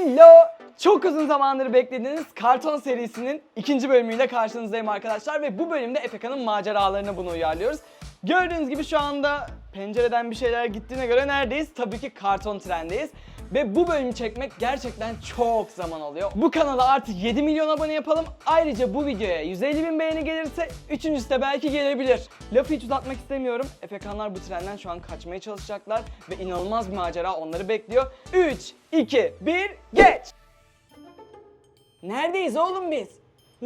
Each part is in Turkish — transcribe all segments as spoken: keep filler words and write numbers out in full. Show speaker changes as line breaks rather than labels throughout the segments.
Hello! Çok uzun zamandır beklediğiniz karton serisinin ikinci bölümüyle karşınızdayım arkadaşlar ve bu bölümde Efeka'nın maceralarını bunu uyarlıyoruz. Gördüğünüz gibi şu anda pencereden bir şeyler gittiğine göre neredeyiz? Tabii ki karton trendeyiz. Ve bu bölümü çekmek gerçekten çok zaman alıyor. Bu kanala artık yedi milyon abone yapalım. Ayrıca bu videoya yüz elli bin beğeni gelirse üçüncüsü de belki gelebilir. Lafı hiç uzatmak istemiyorum. Efekanlar bu trenden şu an kaçmaya çalışacaklar ve inanılmaz bir macera onları bekliyor. üç, iki, bir, geç! Neredeyiz oğlum biz? Hı?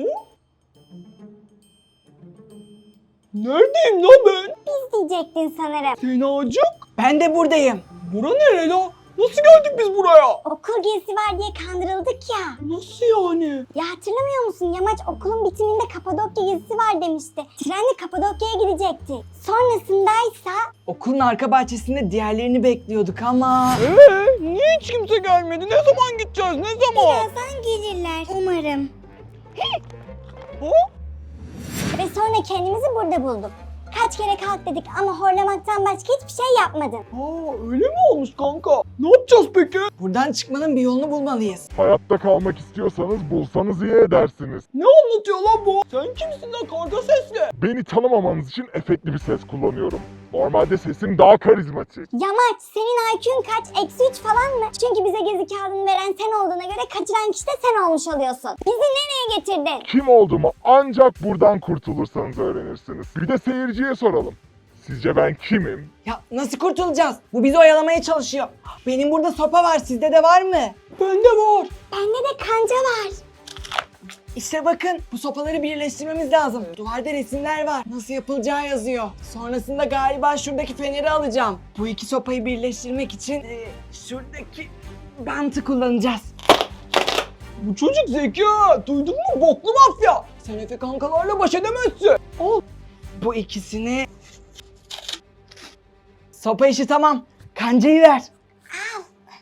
Neredeyim lan ben?
Biz diyecektin sanırım.
Senacık. Ben de buradayım. Bura nere la? Nasıl geldik biz buraya?
Okul gezisi var diye kandırıldık ya.
Nasıl yani?
Ya hatırlamıyor musun? Yamaç okulun bitiminde Kapadokya gezisi var demişti. Trenle Kapadokya'ya gidecekti. Sonrasındaysa...
Okulun arka bahçesinde diğerlerini bekliyorduk ama... Eee niye hiç kimse gelmedi? Ne zaman gideceğiz? Ne zaman?
Birazdan gelirler umarım.
Ha?
Ve sonra kendimizi burada bulduk. Kaç kere kalk dedik ama horlamaktan başka hiçbir şey yapmadın.
Aa öyle mi olmuş kanka? Ne yapacağız peki? Buradan çıkmanın bir yolunu bulmalıyız.
Hayatta kalmak istiyorsanız bulsanız iyi edersiniz.
Ne anlatıyor lan bu? Sen kimsin lan karga sesli?
Beni tanımamanız için efektli bir ses kullanıyorum. Normalde sesim daha karizmatik.
Yamaç senin I Q'un kaç? Eksi üç falan mı? Çünkü bize gezi kağıdını veren sen olduğuna göre kaçıran kişi de sen olmuş oluyorsun. Bizi nereye getirdin?
Kim olduğumu ancak buradan kurtulursanız öğrenirsiniz. Bir de seyirciye soralım. Sizce ben kimim?
Ya nasıl kurtulacağız? Bu bizi oyalamaya çalışıyor. Benim burada sopa var. Sizde de var mı? Bende var.
Bende de kanca var.
İşte bakın bu sopaları birleştirmemiz lazım. Duvarda resimler var. Nasıl yapılacağı yazıyor. Sonrasında galiba şuradaki feneri alacağım. Bu iki sopayı birleştirmek için e, şuradaki bantı kullanacağız. Bu çocuk zeki ha. Duydun mu boklu mafya? Sen Efe kankalarla baş edemezsin. Al. Bu ikisini... Sopa işi tamam. Kancayı ver.
Al.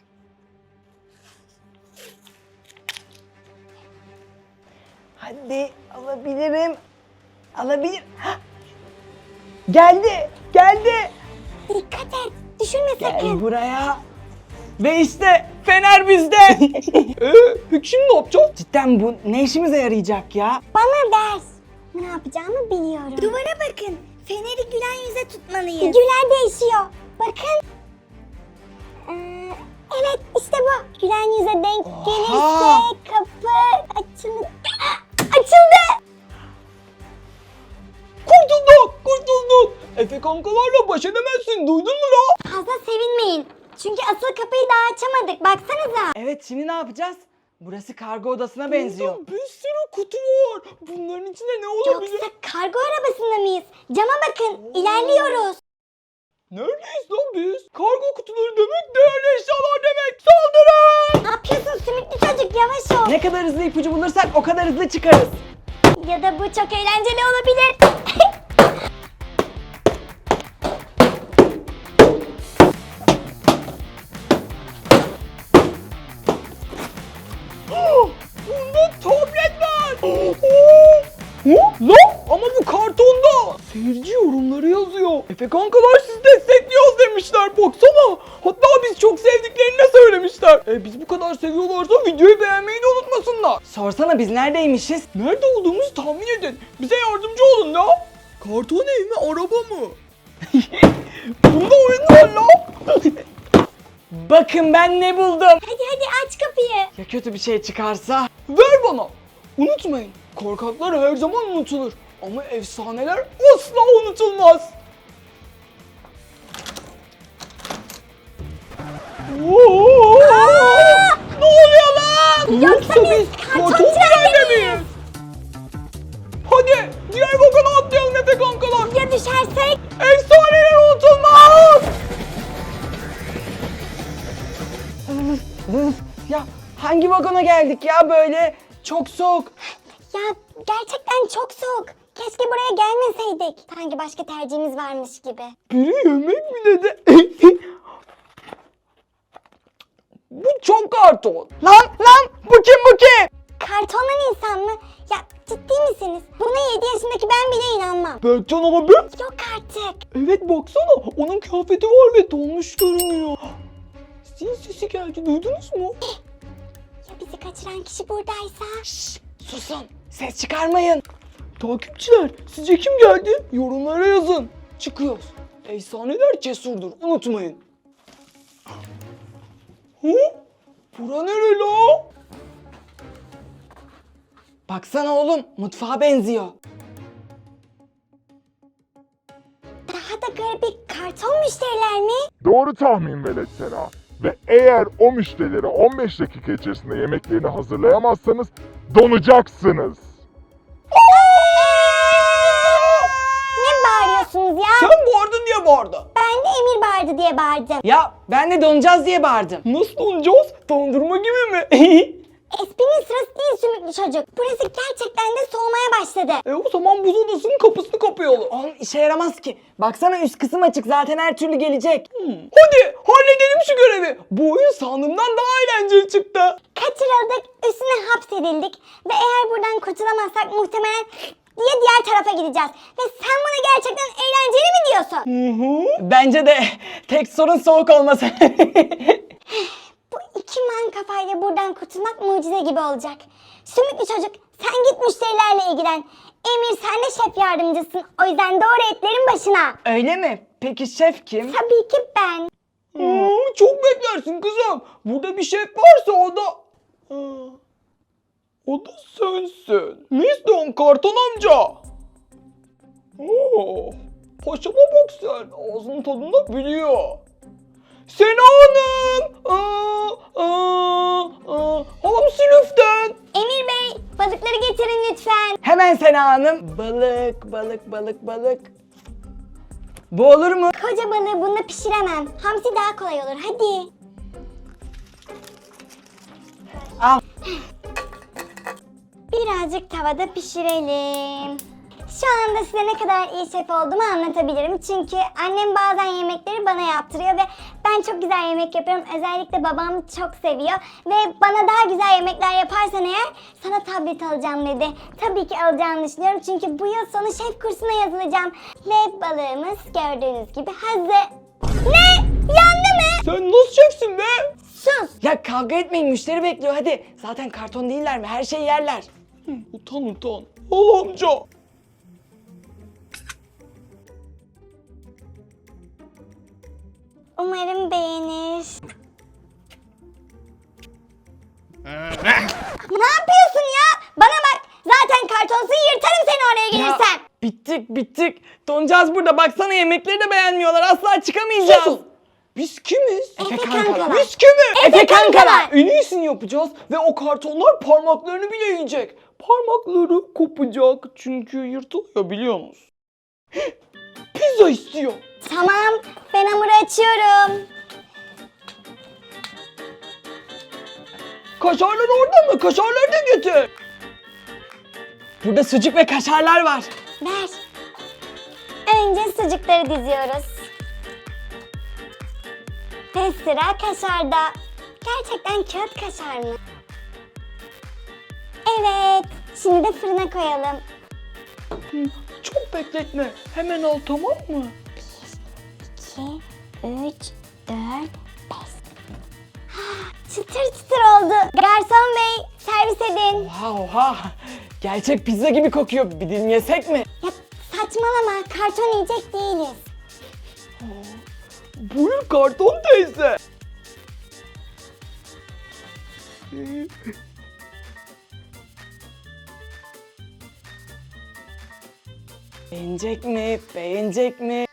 Hadi alabilirim. Alabilir. Hah! Geldi. Geldi.
Dikkat et. Düşürme
Gel
sakın.
buraya. Ve işte fener bizde. Eee peki şimdi ne yapacağız? Cidden bu ne işimize yarayacak ya?
Bana ver. Ne yapacağımı biliyorum. Duvara bakın. Feneri gülen yüze tutmalıyız. Figürler değişiyor. Bakın. Ee, evet işte bu. Gülen yüze denk
Oha!
gelirse kapı açılır. Açıldı.
Kurtulduk. Kurtulduk. Efe kankalarla baş edemezsin. Duydun mu la?
Fazla sevinmeyin. Çünkü asıl kapıyı daha açamadık. Baksanıza.
Evet şimdi ne yapacağız? Burası kargo odasına benziyor.
Bir sürü kutu var. Bunların içinde ne olabilir?
Yoksa kargo arabasında mıyız? Cama bakın. İlerliyoruz.
Neredeyiz lan biz? Kargo kutuları demek, değerli eşyalar demek. Saldırın!
Ne yapıyorsun sümüklü çocuk? Yavaş ol.
Ne kadar hızlı ipucu bulursak o kadar hızlı çıkarız.
Ya da bu çok eğlenceli olabilir.
Bunda tablet var. Hı? Lan ama bu kartonda. Seyirci yorumları yazıyor. Efe kankalar sizi destekliyoruz demişler. Baksana. Hatta biz çok sevdiklerini de söylemişler. E biz bu kadar seviyorlarsa videoyu beğenmeyi de unutmasınlar.
Sorsana biz neredeymişiz?
Nerede olduğumuzu tahmin edin. Bize yardımcı olun ya. Karton ev mi, araba mı? Bunda oyun var lan.
Bakın ben ne buldum.
Hadi hadi aç kapıyı.
Ya kötü bir şey çıkarsa?
Ver bana. Unutmayın. Korkaklar her zaman unutulur. Ama efsaneler asla unutulmaz. Oo! Ne oluyor lan?
Yoksa biz karton
karton
trende
trende miyiz? Hadi diğer vagona atlayalım Efe kankalar.
Ya düşersek?
Efsaneler unutulmaz.
Ya hangi vagona geldik ya böyle? Çok soğuk.
Ya gerçekten çok soğuk. Keşke buraya gelmeseydik. Sanki başka tercihimiz varmış gibi.
Biri yemek mi dedi? Bu çok karton.
Lan lan bu kim bu kim?
Kartondan insan mı? Ya ciddi misiniz? Buna yedi yaşındaki ben bile inanmam.
Berkcan abi.
Yok artık.
Evet baksana onun kıyafeti var ve donmuş görünüyor. Zil sesi geldi duydunuz mu?
Ya bizi kaçıran kişi buradaysa?
Şşş, susun. Ses çıkarmayın.
Takipçiler, sizce kim geldi? Yorumlara yazın. Çıkıyoruz. Efsaneler cesurdur, unutmayın. Hı? Bura nere la?
Baksana oğlum, mutfağa benziyor.
Daha da garip, karton müşteriler mi?
Doğru tahmin Velet Sena. Ve eğer o müşterilere on beş dakika içerisinde yemeklerini hazırlayamazsanız donacaksınız.
Ne bağırıyorsunuz ya?
Sen bağırdın diye bağırdı.
Ben de Emir bağırdı diye bağırdım.
Ya ben de donacağız diye bağırdım.
Nasıl donacağız? Dondurma gibi mi?
Esprinin sırası değil sümüklü çocuk. Burası gerçekten de soğumaya başladı.
e o zaman buz odasının kapısını kapayalım.
Oğlum işe yaramaz ki. Baksana üst kısım açık, zaten her türlü gelecek.
Hmm. Hadi halledelim şu görevi. Bu oyun sandığımdan daha eğlenceli çıktı.
Kaçırıldık, üstüne hapsedildik ve eğer buradan kurtulamazsak muhtemelen diye diğer tarafa gideceğiz. Ve sen buna gerçekten eğlenceli mi diyorsun?
Hı hı.
Bence de tek sorun soğuk olması.
Bu iki man kafayla buradan kurtulmak mucize gibi olacak. Sümüklü çocuk, sen git müşterilerle ilgilen. Emir, sen de şef yardımcısın. O yüzden doğru etlerin başına.
Öyle mi? Peki şef kim?
Tabii ki ben.
Hmm, çok beklersin kızım. Burada bir şef varsa o da... Aa, o da sensin. Mister Karton amca. Oo, paşama bak sen. Ağzının tadını da biliyor. Sena Hanım. Aa, aa, aa. Hamsi lüften.
Emir Bey, balıkları getirin lütfen.
Hemen Sena Hanım. Balık, balık, balık, balık. Bu olur mu?
Koca balığı bununla pişiremem. Hamsi daha kolay olur. Hadi.
Al.
Birazcık tavada pişirelim. Şu anda size ne kadar iyi şef olduğumu anlatabilirim. Çünkü annem bazen yemekleri bana yaptırıyor ve ben çok güzel yemek yapıyorum. Özellikle babam çok seviyor. Ve bana daha güzel yemekler yaparsan eğer sana tablet alacağım dedi. Tabii ki alacağını düşünüyorum. Çünkü bu yıl sonu şef kursuna yazılacağım. Ve balığımız gördüğünüz gibi hazır. Ne? Yandı mı?
Sen nasıl şefsin be?
Sus.
Ya kavga etmeyin, müşteri bekliyor hadi. Zaten karton değiller mi? Her şeyi yerler.
Hı, utan utan. Al amca.
Umarım beğenir. Ne yapıyorsun ya? Bana bak. Zaten kartonsun, yırtarım seni oraya gelirsen.
Bittik bittik. Donacağız burada. Baksana yemekleri de beğenmiyorlar. Asla çıkamayacağız.
Susun. Biz kimiz?
Efe
kankalar.
kankalar.
Biz kimiz?
Efe kankalar.
En iyisini yapacağız ve o kartonlar parmaklarını bile yiyecek. Parmakları kopacak çünkü yırtılıyor biliyor musun? Pizza istiyor.
Tamam, ben hamuru açıyorum.
Kaşarlar orada mı? Kaşarları da getir.
Burada sucuk ve kaşarlar var.
Ver. Önce sucukları diziyoruz. Ve sıra kaşarda. Gerçekten kağıt kaşar mı? Evet. Şimdi de fırına koyalım.
Hı, çok bekletme. Hemen al, tamam mı?
iki, üç, dört, beş. Çıtır çıtır oldu. Garson bey, servis edin.
Oha oha. Gerçek pizza gibi kokuyor. Bir dilim yesek mi?
Ya saçmalama, karton yiyecek değiliz.
Buyur karton teyze.
Beğenecek mi? Beğenecek mi?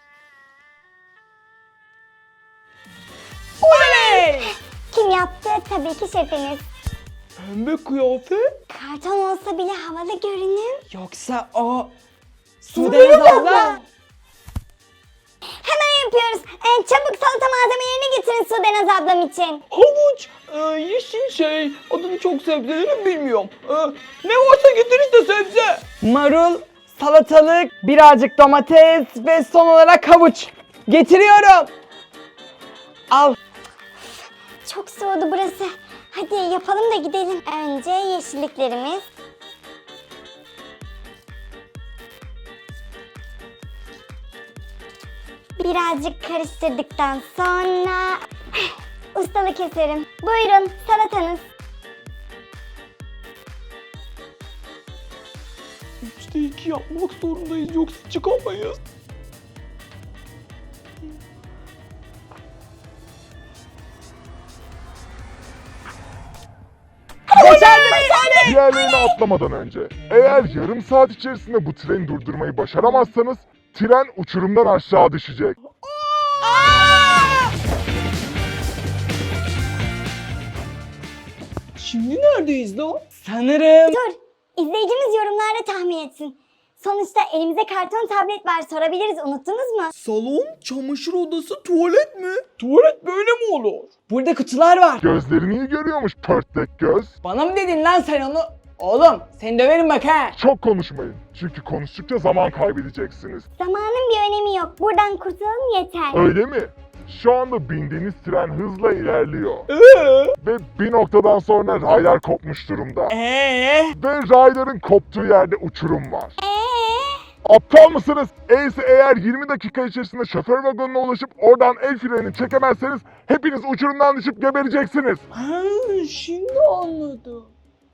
Oley!
Kim yaptı? Tabii ki şefiniz.
Pembe kıyafet.
Karton olsa bile havalı görünüm.
Yoksa o...
Sudenaz
Sudenaz
abla.
abla.
Hemen yapıyoruz. Ee, çabuk salata malzemelerini getirin Sudenaz ablam için.
Havuç, e, yeşil şey, adını çok sebzelerin bilmiyorum. E, ne varsa getir işte sebze.
Marul, salatalık, birazcık domates ve son olarak havuç. Getiriyorum. Al.
Çok soğudu burası. Hadi yapalım da gidelim. Önce yeşilliklerimiz. Birazcık karıştırdıktan sonra ustalık eserim. Buyurun salatanız.
Üçte iki yapmak zorundayız yoksa çıkamayız.
Başardık.
Diğerlerini atlamadan önce, eğer yarım saat içerisinde bu treni durdurmayı başaramazsanız, tren uçurumdan aşağı düşecek.
Şimdi neredeyiz lan?
Sanırım
Dur. İzleyicimiz yorumlarda tahmin etsin. Sonuçta elimizde karton tablet var. Sorabiliriz. Unuttunuz mu?
Salon, çamaşır odası, tuvalet mi? Tuvalet böyle mi olur?
burada kutular var.
Gözlerini iyi görüyormuş pörtlek göz.
Bana mı dedin lan sen onu? Oğlum seni döverim bak ha.
Çok konuşmayın, çünkü konuştukça zaman kaybedeceksiniz.
Zamanın bir önemi yok. Buradan kurtulalım yeter.
Öyle mi? Şu anda bindiğiniz tren hızla ilerliyor.
Eee?
Ve bir noktadan sonra raylar kopmuş durumda.
Eee?
Ve rayların koptuğu yerde uçurum var.
Eee?
Aptal mısınız? Eyse eğer yirmi dakika içerisinde şoför vagonuna ulaşıp oradan el frenini çekemezseniz hepiniz uçurumdan düşüp gebereceksiniz.
Ha, şimdi anladım.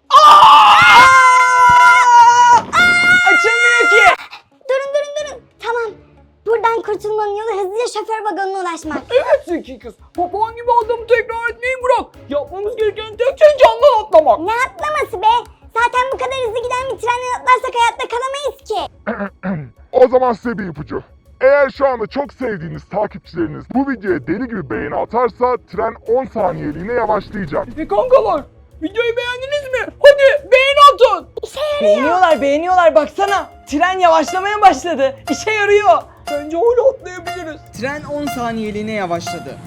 Açılmıyor ki.
Durun durun durun. Tamam. Buradan kurtulmanın yolu hızlıca şoför vagonuna ulaşmak.
Evet zeki kız. Papağan gibi adamı tekrar etmeyi bırak. Yapmamız gereken tek şey camdan atlamak.
Ne atlaması be? Zaten bu kadar hızlı giden bir trenden atlarsak hayatta kalamayız ki.
O zaman size bir ipucu. Eğer şu anda çok sevdiğiniz takipçileriniz bu videoya deli gibi beğeni atarsa tren on saniyeliğine yavaşlayacak.
Efe kankalar, videoyu beğendiniz mi? Hadi beğeni atın.
İşe yarıyor.
Beğeniyorlar beğeniyorlar baksana. Tren yavaşlamaya başladı. İşe yarıyor.
Bence öyle atlayabiliriz.
Tren on saniyeliğine yavaşladı.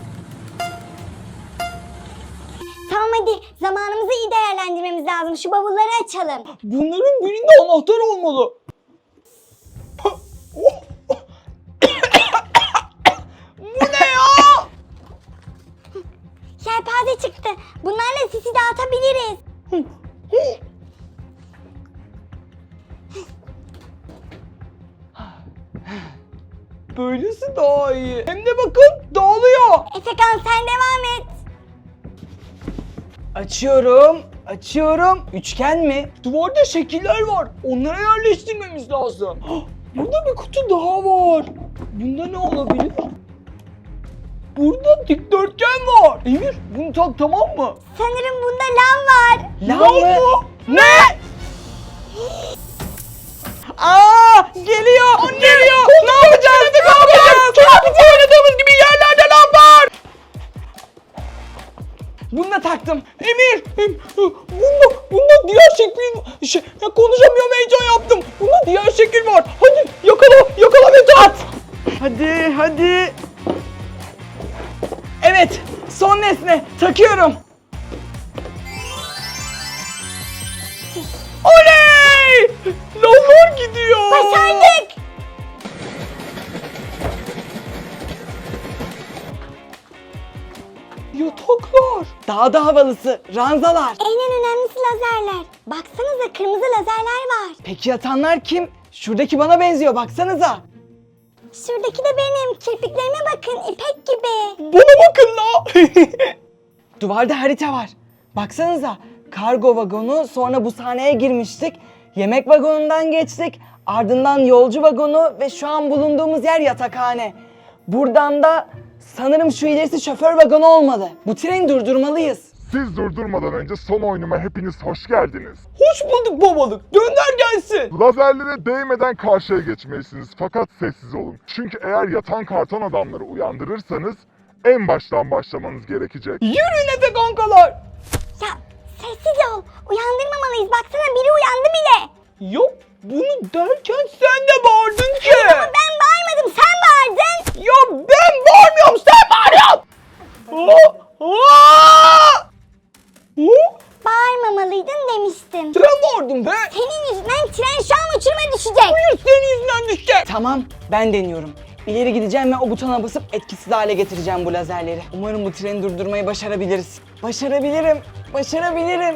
Tamam hadi. Zamanımızı iyi değerlendirmemiz lazım. Şu bavulları açalım.
Bunların birinde anahtar olmalı. Bu ne ya?
Yelpaze çıktı. Bunlarla sisi dağıtabiliriz.
Böylesi daha iyi. Hem de bakın dağılıyor.
Efekan sen devam et.
Açıyorum. Açıyorum. Üçgen mi?
Duvarda şekiller var. Onlara yerleştirmemiz lazım. Hah, burada bir kutu daha var. Bunda ne olabilir? Burada dikdörtgen var. Emir bunu tak, tamam mı?
Sanırım bunda lav var.
Lav mı?
mı?
Ne? Aa, geliyor. Geliyor. Ne yapacağız? Ne yapacağız? Ne yapacağız? Oynadığımız gibi yerlerde lav var. Bunu da taktım.
Emir, em, bunda, bunda diğer şekil, şey, ya konuşamıyorum, heyecan yaptım. Bunda diğer şekil var. Hadi yakala, yakala ve at.
Hadi, hadi. Evet, son nesne. Takıyorum.
Oley! Lavlar gidiyor.
Başardık.
Yataklar.
Daha da havalısı. Ranzalar.
En önemlisi lazerler. Baksanıza kırmızı lazerler var.
Peki yatanlar kim? Şuradaki bana benziyor. Baksanıza.
Şuradaki de benim. Kirpiklerime bakın ipek gibi.
Bana bakın la.
Duvarda harita var. Baksanıza. Kargo vagonu, sonra bu sahneye girmiştik. Yemek vagonundan geçtik. Ardından yolcu vagonu ve şu an bulunduğumuz yer yatakhane. Buradan da sanırım şu ilerisi şoför vagonu olmalı. Bu treni durdurmalıyız.
Siz durdurmadan önce son oyunuma hepiniz hoş geldiniz.
Hoş bulduk babalık. Gönder gelsin.
Lazerlere değmeden karşıya geçmelisiniz, fakat sessiz olun. Çünkü eğer yatan karton adamları uyandırırsanız en baştan başlamanız gerekecek.
Yürüyün Efe kankalar.
Ya sessiz ol. Uyandırmamalıyız. Baksana biri uyandı bile.
Yok, bunu derken sen de bağırdın ki.
Ben bağırmadım. Sen bağırdın.
Ya ben bağırmıyorum, sen bağırıyorsun. Aa, aa! Aa!
Bağırmamalıydın demiştim.
Sen bağırdın be.
Senin yüzünden tren şu an uçuruma düşecek.
Hayır, senin yüzünden düşecek.
Tamam, ben deniyorum. İleri gideceğim ve o butona basıp etkisiz hale getireceğim bu lazerleri. Umarım bu treni durdurmayı başarabiliriz. Başarabilirim, başarabilirim.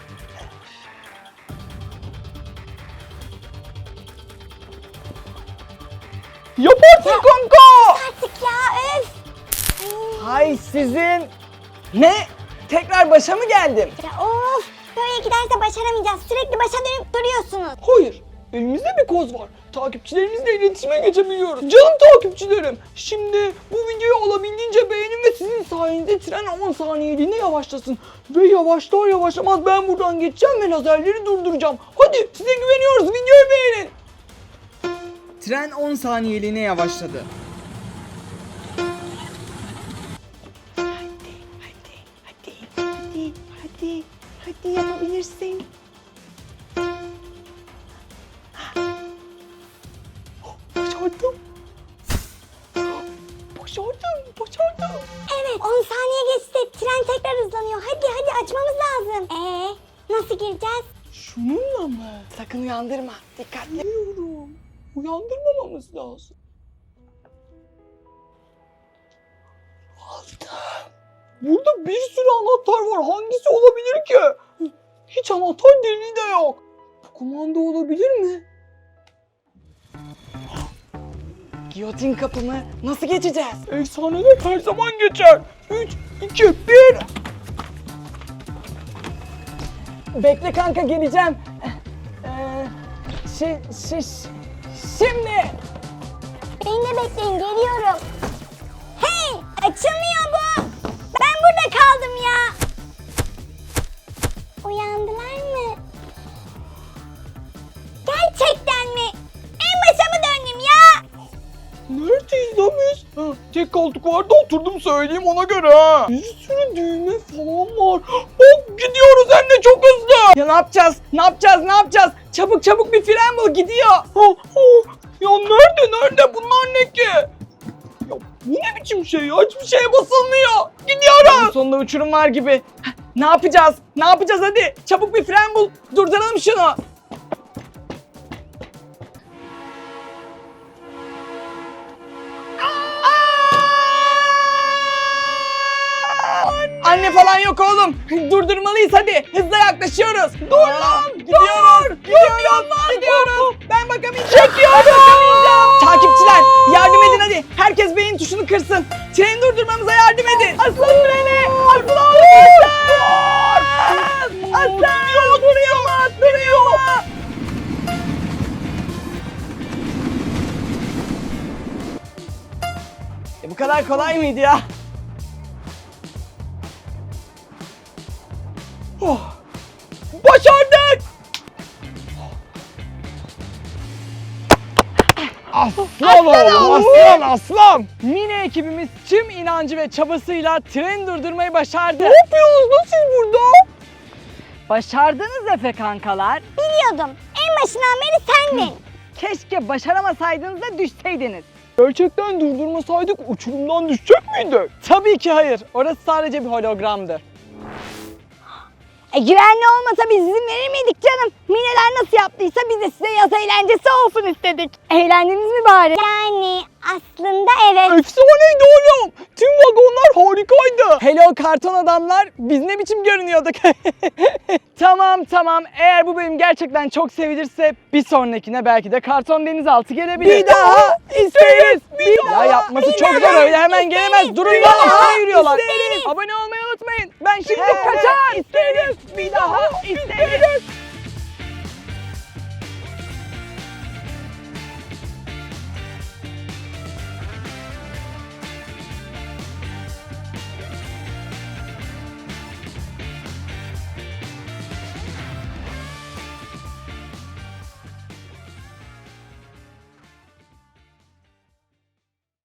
Yaparsın kanka.
Artık ya öf.
Hay sizin. Ne? Tekrar başa mı geldim?
Ya of. Böyle giderse başaramayacağız. Sürekli başa dönüp duruyorsunuz.
Hayır, elimizde bir koz var. Takipçilerimizle iletişime geçebiliyoruz. Canım takipçilerim, şimdi bu videoyu olabildiğince beğenin ve sizin sayenizde tren on saniyeliğine yavaşlasın. Ve yavaşlar yavaşlamaz ben buradan geçeceğim ve lazerleri durduracağım. Hadi size güveniyoruz, videoyu beğenin.
Tren on saniyeliğine yavaşladı.
Hadi, hadi, hadi, hadi, hadi yapabilirsin.
Başardım. Başardım, başardım.
Evet, on saniye geçti. Tren tekrar hızlanıyor. Hadi hadi açmamız lazım. Ee, nasıl gireceğiz?
Şununla mı?
Sakın uyandırma. Dikkatli.
Biliyorum. Uyandırmamamız lazım. Burada bir sürü anahtar var. Hangisi olabilir ki? Hiç anahtar deliği de yok. Bu kumanda olabilir mi?
Giyotin kapımı nasıl geçeceğiz?
Efsaneler her zaman geçer. üç, iki, bir.
Bekle kanka, geleceğim. Ee, şi, şi, şimdi.
Beni de bekleyin, geliyorum. Hey, açılmıyor bu. Ben burada kaldım ya. Uyandılar mı? Gerçekten mi? En başa mı döndüm ya?
Neredeyiz lan biz? Ha, tek koltuk vardı, oturdum söyleyeyim ona göre ha. Bir sürü düğme falan var. Bak gidiyoruz hem de çok hızlı.
Ya ne yapacağız? Ne yapacağız? Ne yapacağız? Çabuk çabuk bir fren bul, gidiyor.
Ha, ha. Ya nerede nerede bunlar ne ki? Ya bu ne biçim şey ya? Hiçbir şeye basılmıyor. Gidiyoruz.
Sonunda uçurum var gibi. Heh, ne yapacağız? Ne yapacağız hadi? Çabuk bir fren bul. Durduralım şunu. Anne falan yok oğlum. Durdurmalıyız hadi. Hızla yaklaşıyoruz. Dur lan. Gidiyoruz. Gidiyoruz. Gidiyoruz. Ben bakamayacağım. Çekiyorum. Ben bakamayacağım. Takipçiler yardım edin hadi. Herkes beyin tuşunu kırsın. Treni durdurmamıza yardım edin. Aslan treni. Aslan. Aslan. Aslan. Duruyor mu? Duruyor mu? E bu kadar kolay mıydı ya?
Oh, başardık.
Aslan oğlum, aslan aslan. Mini ekibimiz tüm inancı ve çabasıyla treni durdurmayı başardı.
Ne yapıyorsunuz lan siz burada?
Başardınız Efe kankalar.
Biliyordum. En başından beri sendin.
Keşke başaramasaydınız da düşseydiniz.
Gerçekten durdurmasaydık uçurumdan düşecek miydik?
Tabii ki hayır. Orası sadece bir hologramdı.
E, güvenli olmasa biz izin verir miydik canım? Mineler nasıl yaptıysa biz de size yaz eğlencesi olsun istedik. Eğlendiniz mi bari? Yani aslında evet.
Efsaneydi oğlum. Tüm vagonlar harikaydı.
Hello karton adamlar, biz ne biçim görünüyorduk? Tamam tamam, eğer bu bölüm gerçekten çok sevilirse bir sonrakine belki de karton denizaltı gelebilir.
Bir daha
isteriz.
bir daha,
Ya yapması
bir
çok
daha
zor, öyle hemen gelemez. Durun
bir
lan,
daha
üstüne yürüyorlar.
isteriz.
Abone olmayı unutmayın. Ben şimdi
Evet,
kaçar.
isteriz. Bir daha isteriz.